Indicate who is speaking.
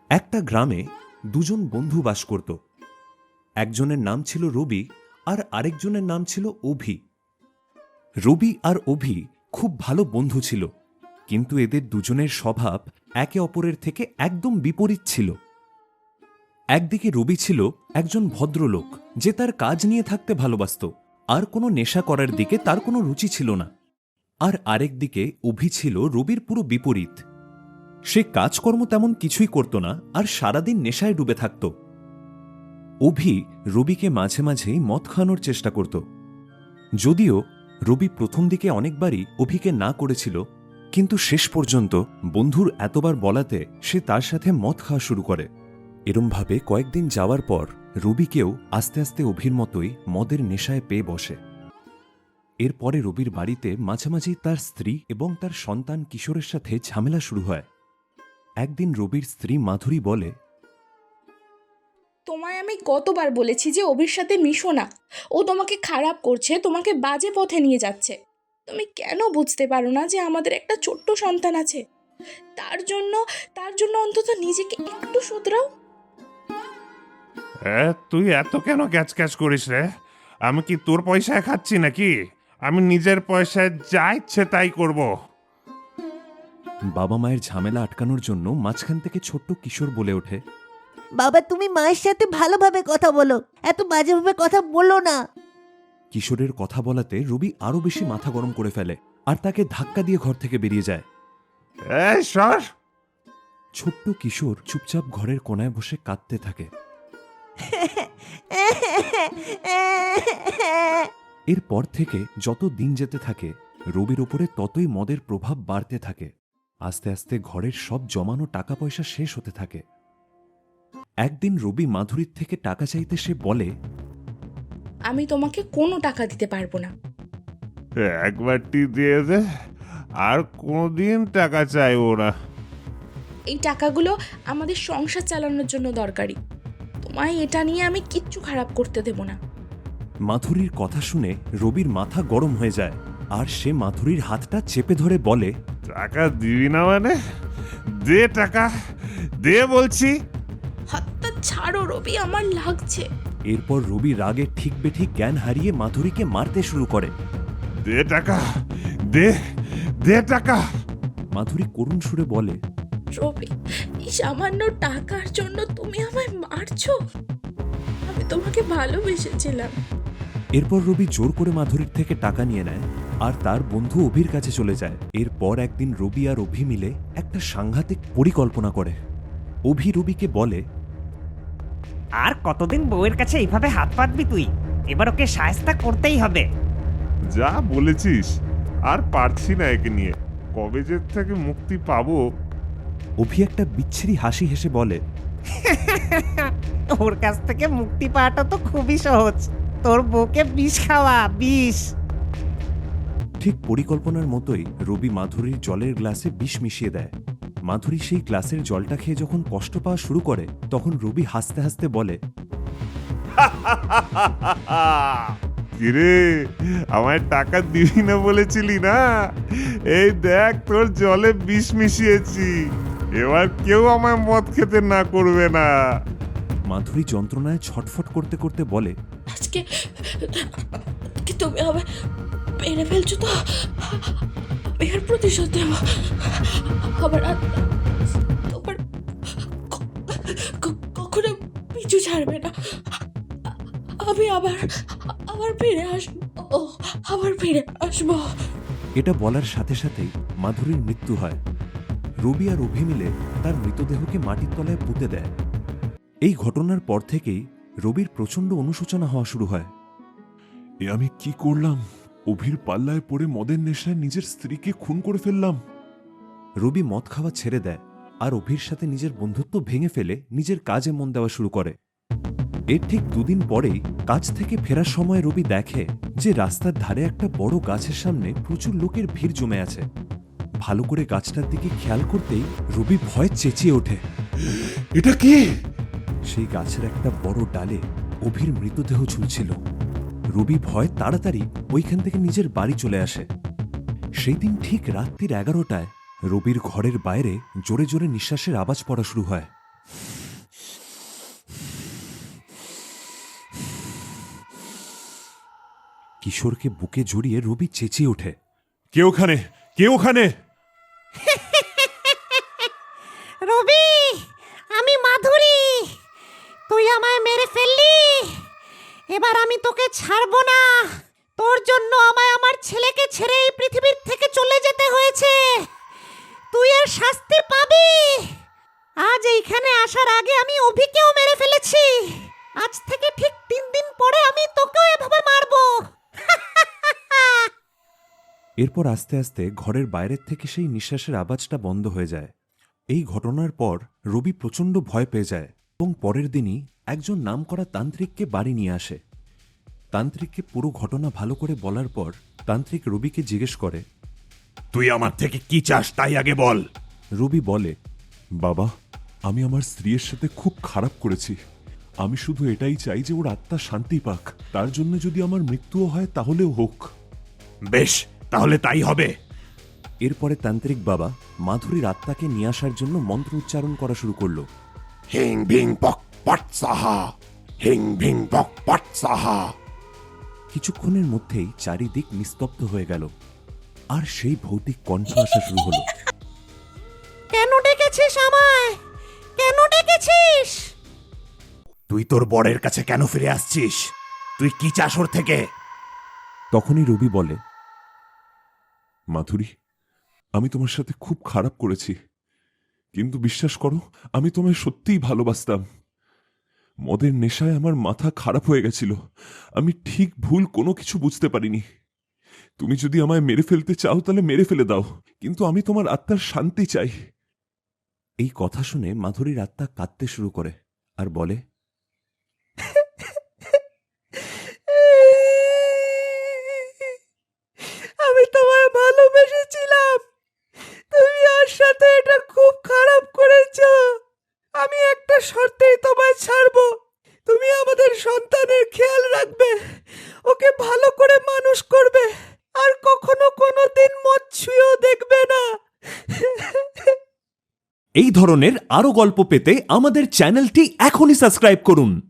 Speaker 1: একটা গ্রামে দুজন বন্ধু বাস করত। একজনের নাম ছিল রবি আর আরেকজনের নাম ছিল অভি। রবি আর অভি খুব ভালো বন্ধু ছিল, কিন্তু এদের দুজনের স্বভাব একে অপরের থেকে একদম বিপরীত ছিল। একদিকে রবি ছিল একজন ভদ্রলোক যে তার কাজ নিয়ে থাকতে ভালোবাসত, আর কোনো নেশা করার দিকে তার কোনো রুচি ছিল না। আর আরেকদিকে অভি ছিল রবির পুরো বিপরীত। সে কাজকর্ম তেমন কিছুই করত না আর সারাদিন নেশায় ডুবে থাকত। অভি রবিকে মাঝে মাঝেই মদ খাওয়ানোর চেষ্টা করত, যদিও রবি প্রথম দিকে অনেকবারই অভিকে না করেছিল, কিন্তু শেষ পর্যন্ত বন্ধুর এতবার বলাতে সে তার সাথে মদ খাওয়া শুরু করে। এরমভাবে কয়েকদিন যাওয়ার পর রবিকেও আস্তে আস্তে অভির মতোই মদের নেশায় পেয়ে বসে। এরপরে রবির বাড়িতে মাঝামাঝি তার স্ত্রী এবং তার সন্তান কিশোরের সাথে ঝামেলা শুরু হয়। একদিন রবির স্ত্রী মাধুরী বলে,
Speaker 2: তোমায় আমি কতবার বলেছি যে অভির সাথে মিশো না, ও তোমাকে খারাপ করছে, তোমাকে বাজে পথে নিয়ে যাচ্ছে। তুমি কেন বুঝতে পারো না যে আমাদের একটা ছোট্ট সন্তান আছে? তার জন্য অন্তত নিজেকে একটু শুধরাও।
Speaker 3: তুই এত কেন ক্যাচ ক্যাচ করিস রে? আমি কি তোর পয়সায় খাচ্ছি নাকি? আমি নিজের পয়সায় যা ইচ্ছে তাই করব।
Speaker 1: বাবা মায়ের ঝামেলা আটকানোর জন্য মাঝখান থেকে ছোট্ট কিশোর বলে ওঠে,
Speaker 4: বাবা, তুমি মায়ের সাথে ভালোভাবে কথা বলো, এত বাজেভাবে কথা বলো না।
Speaker 1: কিশোরের কথা বলাতে রবি আরো বেশি মাথা গরম করে ফেলে আর তাকে ধাক্কা দিয়ে ঘর থেকে বেরিয়ে যায়।
Speaker 3: সর।
Speaker 1: ছোট্ট কিশোর চুপচাপ ঘরের কোনায় বসে কাঁদতে থাকে। এরপর থেকে যত দিন যেতে থাকে রবির ওপরে ততই মদের প্রভাব বাড়তে থাকে। আস্তে আস্তে ঘরের সব জমানো টাকা পয়সা শেষ হতে থাকে। একদিন রবি মাধুরীর থেকে টাকা চাইতে সে বলে,
Speaker 2: আমি তোমাকে কোনো টাকা দিতে পারবো না।
Speaker 3: একবারটি দিয়ে দে, আর কোনদিন টাকা চাইবো না।
Speaker 2: এই টাকাগুলো আমাদের সংসার চালানোর জন্য দরকারি। তোমায় এটা নিয়ে আমি কিচ্ছু খারাপ করতে দেব না।
Speaker 1: মাধুরীর কথা শুনে রবির মাথা গরম হয়ে যায় আর সে মাধুরীর হাতটা চেপে ধরে বলে,
Speaker 3: টাকা দিবি না মানে? দে টাকা, দে বলছি।
Speaker 2: হাতটা ছাড়ো রবি, আমার লাগছে।
Speaker 1: এরপর রবি রাগে ঠিক বেঠিক জ্ঞান হারিয়ে মাধুরীকে মারতে শুরু করে।
Speaker 3: দে টাকা, দে দে টাকা।
Speaker 1: মাধুরী করুণ সুরে বলে,
Speaker 2: রবি, এই সামান্য টাকার জন্য তুমি আমায় মারছো? আমি তোমাকে ভালোবেসেছিলাম।
Speaker 1: এরপর রবি জোর করে মাধুরীর থেকে টাকা নিয়ে নেয় আর তার বন্ধু অভির কাছে চলে যায়। এরপর একদিন রবি আর অভি মিলে একটা সাংঘাতিক পরিকল্পনা করে। অভি রবিকে বলে,
Speaker 5: আর কতদিন বউয়ের কাছে এইভাবে হাত পাতবি তুই? এবার ওকে শায়েস্তা করতেই হবে।
Speaker 3: যা বলেছিস, আর পারছি না একে নিয়ে। কবে যে থেকে মুক্তি পাবো।
Speaker 1: অভি একটা বিচ্ছিরি হাসি হেসে বলে,
Speaker 5: ওর কাছ থেকে মুক্তি পাওয়াটা তো খুবই সহজ। তোর বউকে বিষ খাওয়া, বিষ।
Speaker 1: ঠিক পরিকল্পনার মতোই রবি মাধুরীর জলের গ্লাসে বিষ মিশিয়ে দেয়। মাধুরী সেই গ্লাসের জলটা খেয়ে যখন কষ্ট পাওয়া শুরু করে তখন রবি হাসতে হাসতে বলে,
Speaker 3: কিরে, আমায় টাকা দিবি না বলেছিলি না? এই দেখ, তোর জলে বিষ মিশিয়েছি। এবার কেউ আমায় মদ খেতে না করবে না।
Speaker 1: মাধুরী যন্ত্রণায় ছটফট করতে করতে বলে,
Speaker 2: আজকে তুমি হবে মেরে ফেলছো তো? আমি আর প্রতিশোধ দেব। আবার তোমার কখনো পিছু ছাড়বে না। আমি আবার ফিরে আসবো। আবার ফিরে আসবো।
Speaker 1: এটা বলার সাথে সাথেই মাধুরীর মৃত্যু হয়। রবি আর অভি মিলে তার মৃতদেহকে মাটির তলায় পুঁতে দেয়। এই ঘটনার পর থেকেই রবির প্রচণ্ড অনুশোচনা হওয়া শুরু হয়।
Speaker 6: এ আমি কি করলাম? অভির পাল্লায় পড়ে মদের নেশায় নিজের স্ত্রীকে খুন করে ফেললাম।
Speaker 1: রবি মদ খাওয়া ছেড়ে দেয় আর অভির সাথে নিজের বন্ধুত্ব ভেঙে ফেলে নিজের কাজে মন দেওয়া শুরু করে। এর ঠিক দুদিন পরেই কাজ থেকে ফেরার সময় রবি দেখে যে রাস্তার ধারে একটা বড় গাছের সামনে প্রচুর লোকের ভিড় জমে আছে। ভালো করে গাছটার দিকে খেয়াল করতেই রবি ভয়ে চেঁচিয়ে ওঠে,
Speaker 6: এটা কি?
Speaker 1: সেই গাছের একটা বড় ডালে অভির মৃতদেহ ঝুলছিল। রবি ভয় তাড়াতাড়ি ওইখান থেকে নিজের বাড়ি চলে আসে। সেই দিন ঠিক রাত্রির 11টায় রবির ঘরের বাইরে জোরে জোরে নিঃশ্বাসের আওয়াজ পড়া শুরু হয়। কিশোরকে বুকে জড়িয়ে রবি চেঁচিয়ে ওঠে।
Speaker 6: কে ওখানে? কে ওখানে?
Speaker 4: রবি, আমি মাধুরী। তুই আমায় মেরে ফেললি, এবার আমি তোকে ছাড়বো না। তোর জন্য আমায় আমার ছেলেকে ছেড়ে এই পৃথিবীর থেকে চলে যেতে হয়েছে। তুই এর শাস্তি পাবি। আজ এইখানে আসার আগে আমি অভিকেও মেরে ফেলেছি। আজ থেকে ঠিক 3 দিন পরে আমি তোকেও এভাবে মারবো।
Speaker 1: এরপর আস্তে আস্তে ঘরের বাইরের থেকে সেই নিঃশ্বাসের আওয়াজটা বন্ধ হয়ে যায়। এই ঘটনার পর রবি প্রচণ্ড ভয় পেয়ে যায় এবং পরের দিনই একজন নামকরা তান্ত্রিককে বাড়ি নিয়ে আসে। তান্ত্রিককে পুরো ঘটনা ভালো করে বলার পর তান্ত্রিক রবিকে জিজ্ঞেস করে,
Speaker 3: তুই আমার থেকে কি চাস তাই আগে বল।
Speaker 1: রবি বলে,
Speaker 6: বাবা, আমি আমার স্ত্রীর সাথে খুব খারাপ করেছি। আমি শুধু এটাই চাই যে ওর আত্মা শান্তি পাক। তার জন্য যদি আমার মৃত্যুও হয় তাহলেও হোক।
Speaker 3: বেশ, তাহলে তাই হবে।
Speaker 1: এরপরে তান্ত্রিক বাবা মাধুরীর আত্মাকে নিয়ে আসার জন্য মন্ত্র উচ্চারণ করা শুরু করলো।
Speaker 3: হিং ভিং পক পট সাহা, হিং ভিং পক পট সাহা।
Speaker 1: কিছুক্ষণের মধ্যেই চারিদিক নিস্তব্ধ হয়ে গেল আর সেই ভৌতিক কণ্ঠ আসা শুরু হলো।
Speaker 4: কেন ডেকেছিস আমায়? কেন ডেকেছিস?
Speaker 3: তুই তোর বরের কাছে কেন ফিরে আসছিস? তুই কি চাস ওর থেকে?
Speaker 1: তখনই রবি বলে,
Speaker 6: মাধুরী, আমি তোমার সাথে খুব খারাপ করেছি, কিন্তু বিশ্বাস করো, আমি তোমায় সত্যিই ভালোবাসতাম। মদের নেশায় আমার মাথা খারাপ হয়ে গেছিল। আমি ঠিক ভুল কোনো কিছু বুঝতে পারিনি। তুমি যদি আমায় মেরে ফেলতে চাও তাহলে মেরে ফেলে দাও, কিন্তু আমি তোমার আত্মার শান্তি চাই।
Speaker 1: এই কথা শুনে মাধুরীর আত্মা কাঁদতে শুরু করে আর বলে,
Speaker 4: আমি তোমায় ভালোবেসেছিলাম, তুমি ওর সাথে এটা খুব খারাপ করেছো। আমি একটা শর্তেই তোমায় ছাড়বো। তুমি আমাদের সন্তানের খেয়াল রাখবে, ওকে ভালো করে মানুষ করবে, আর কখনো কোনোদিন মদ ছুঁয়েও দেখবে না।
Speaker 1: এই ধরনের আরও গল্প পেতে আমাদের চ্যানেলটি এখনই সাবস্ক্রাইব করুন।